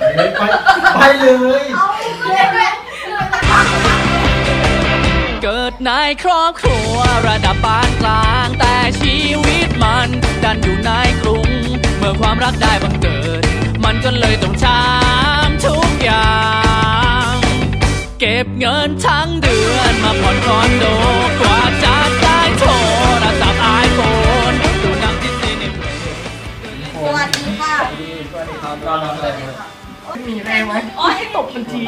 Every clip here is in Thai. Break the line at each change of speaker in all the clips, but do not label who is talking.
ไปเลย
เกิดในครอบครัวระดับปานกลางแต่ชีวิตมันดันอยู่ในกรุงเมื่อความรักได้บังเกิดมันก็เลยต้องช้ำทุกอย่างเก็บเงินทั้งเดือนมาผ่อนคอนโดกว่าจะได้โทรศัพท์ไอโฟนดูหนังดิสนีย์ในเพลง
สวัสดีค่ะ
สวัสดีครับรอรับเลย
มีแรงไหมอ๋อให้ตบมันที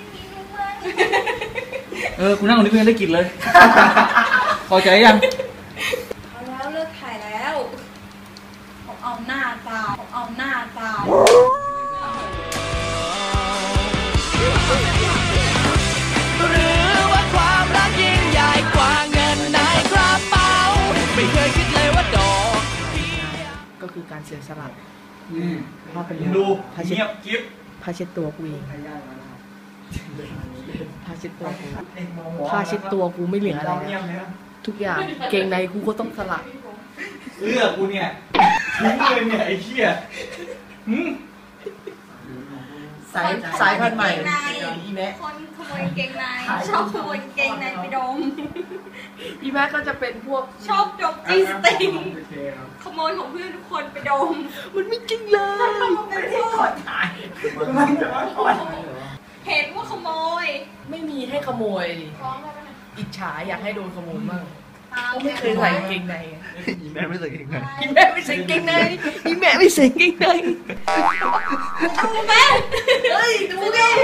กูนั่งตรงนี้เพื่อนได้กินเลยพอใจยัง
เอาแล้วเลิกถ่ายแล้วเอาหน้าตาเอาหน้าตา
หรือว่าความรักยิ่งใหญ่กว่าเงินในกระเป๋าไม่เคยคิดเลยว่าดอก
ก็คือการเสียสละผ้าเป็น
ดูเงียบกิ๊บ
ผ้าเช็ดตัวกูเองผ้าเช็ดตัวกูผ้าเช็ดตัวกูไม่เหลืออะไรทุกอย่างเกงในกูก็ต้องสละ
เสื้อกูเนี่ยทิ้งเลยเนี่ยไอ้เหี้ย
สายพันธุ์ใหม่
อีแม่คนขโมยเกงในชอบขโมยเกงในไปดม
อีแม่ก็จะเป็นพวก
ชอบดมจีสติงขโมยของเพื่อนทุกคนไปดม
มันไม่จริงเลย
ไม่ได้ขอถ่ายเห็นว่าขโมย
ไม่มีให้ขโมยอิจฉาอยากให้โดนขโมยบ้างไม่เคยใส่เกงใน
อีแม่ไม่ใส่เกงใน
อีแม่ไม่ใส่เกงในอีแม่ไม่ใส่เกงใน
ดูแม่เฮ้ยดูแม่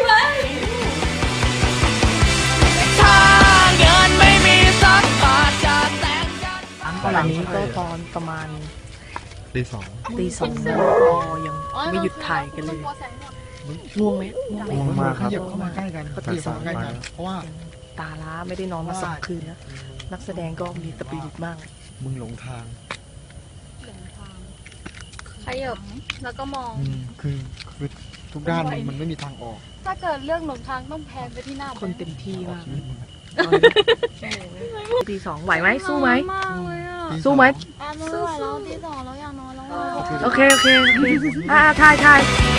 ถ้าเงินไม่มีสักบาทจะแต่งกัน
ตอนนี้ก็ตอนประมาณ
ตีสอง
แล้วก็ยังไม่หยุดถ่ายกันเลยง่วงไหม
ง่วงมากครับ
เข้ามาใกล้กันก็ตีสองใกล้กันเพราะว่าตาล้าไม่ได้นอนมา2 คืนแล้วนักแสดงก็มีสปิริตมาก
มึงหลงทาง
ขยับแล้วก็มอง
คือทุกด้านมันไม่มีทางออก
ถ้าเกิดเรื่องหลงทางต้องแพนไปที่หน้า
คนเต็มที่มากตี 2ไหวไหมสู้ไหมสู้ไหม
สู้แล้วตี 2แล้วอยากนอนแล้ว
โอเคถ่าย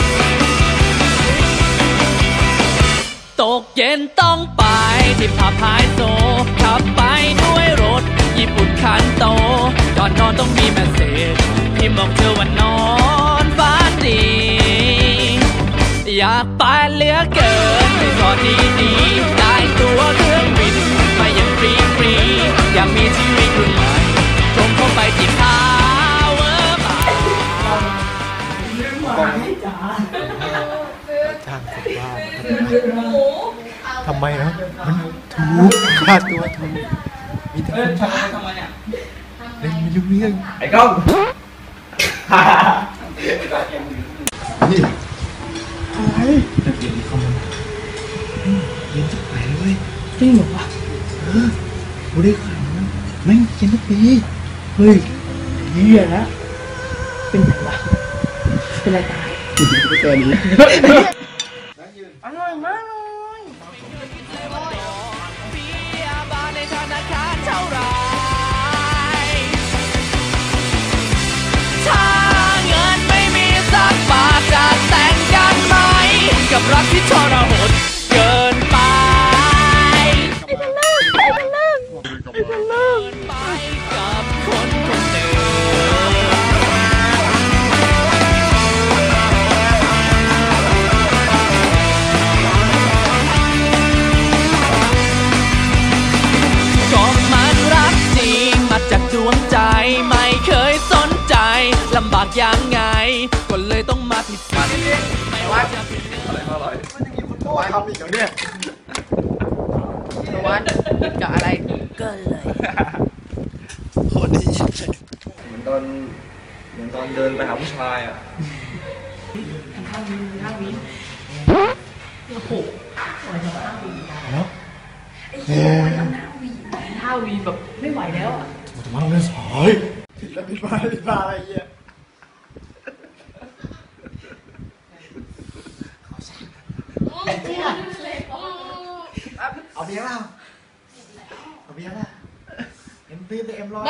ตกเย็นต้องไปที่ผับไฮโซขับไปด้วยรถญี่ปุ่นคันโตก่อนนอนต้องมีแมสเสจที่บอกเธอว่านอนฝันดีอยากไปเหลือเกินไปสอนดีๆได้ตัวเครื่องบินมาอย่างฟรีอยากมีชีวิตรุ่นใหม่ตรงเข้าไปที่พาวเวอร์บาร์
จ้างคนบ้าทำไมนะมันถูกค่าตัวถูกมีแต่คนบ้าทำไมเนี่ยเล่นไม่รู้เรื่องไอ้ก้องนี่อะไรเรียนเข้ามาเรียนทุกปีเลย
จริงเหรอวะ
กูได้ข่าวนะแม่งเรียนทุกปี
เฮ้ยเหี้ยนะเป็นไงวะเป็นอะไรตาย
เป็นตัวนี้
อร่อยมากเลย
ในธนาคารเท่าไรถ้าเงินไม่มีสักบาทจะแต่งกันไหมกับรักที่ทรหดเกินไปไอ้เลิกไปกับคนคนหนึ่งจากดวงใจไม่เคยสนใจลำบากยังไงก็เลยต้องมาพิสูจน์ไม่ว่าจะเป็นอะไรอร่อยมันจะกินคุณพ่อทำอีกอย่างเนี้ย
ตะวันกินกับอะไรก็เลย
โคตรดีเหมือนตอนเดินไปหาผู้ชายอ่ะ
ท่าวีโอ้โห
เนาะ
ท่าวีแบบไม่ไหวแล้วอ่ะ
ทำไมเราเล่นสายผิดบ้าอะไรเงี้ยเอาเบียร์เปล่าเอาเบียร์ล่ะเอ็มปีเอ็มร้อย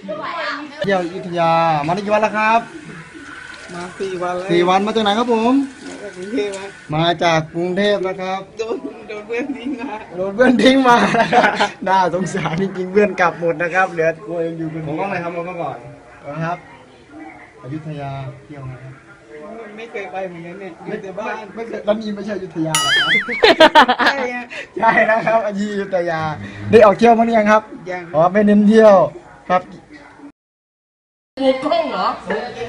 เที่ยวอยุธยามาได้กี่วันแล้วครับ
มา4 วันแล้ว
4 วันมาจากไหนครับผม
จากกรุงเทพครับ
มาจากกรุงเทพนะครับ
โดนเพื่อนทิ้งมา
โดนเพื่อนทิ้งมานะครับน่าสงสารจริงๆเพื่อนกลับหมดนะครับเหลือตัวเองอยู่คนเดียวผมก็เลยทำมาก่อนนะครับอยุธยาเที่ยวไหมครับ
ไม่เคยไปเหมือนกันเนี่ยอยู่แต่บ้าน
ไม่เคยแล้วนี่ไม่ใช่อยุธยาหรอครับ
ใช่ไง
ใช่นะครับอยุธยาได้ออกเที่ยวมาหรือยังครับ
ยัง
อ๋อไม่เน้นเที่ยวครับ
โอ้กล้องเหรอ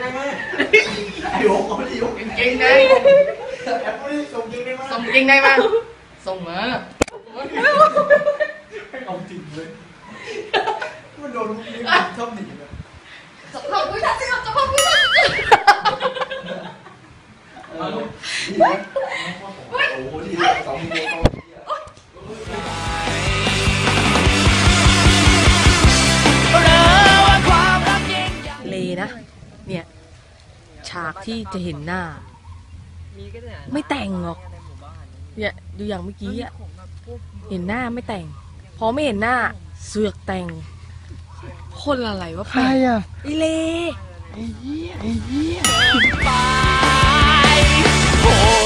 เก่งได้ส่งเก่งได้มาส่งมา
เอาจริงเลยมันโดนลูกนี้ชอบหนีเลย
จะพังวิชาสิครับจะพังวิชาสิ
เลนะ เนี่ย ฉากที่จะเห็นหน้า ไม่แต่งหรอก เนี่ยดูอย่างเมื่อกี้อะเห็นหน้าไม่แต่ง พอไม่เห็นหน้าเสือกแต่ง คนอะไรวะ
ใครอ่ะ
ไอเล
ไปโห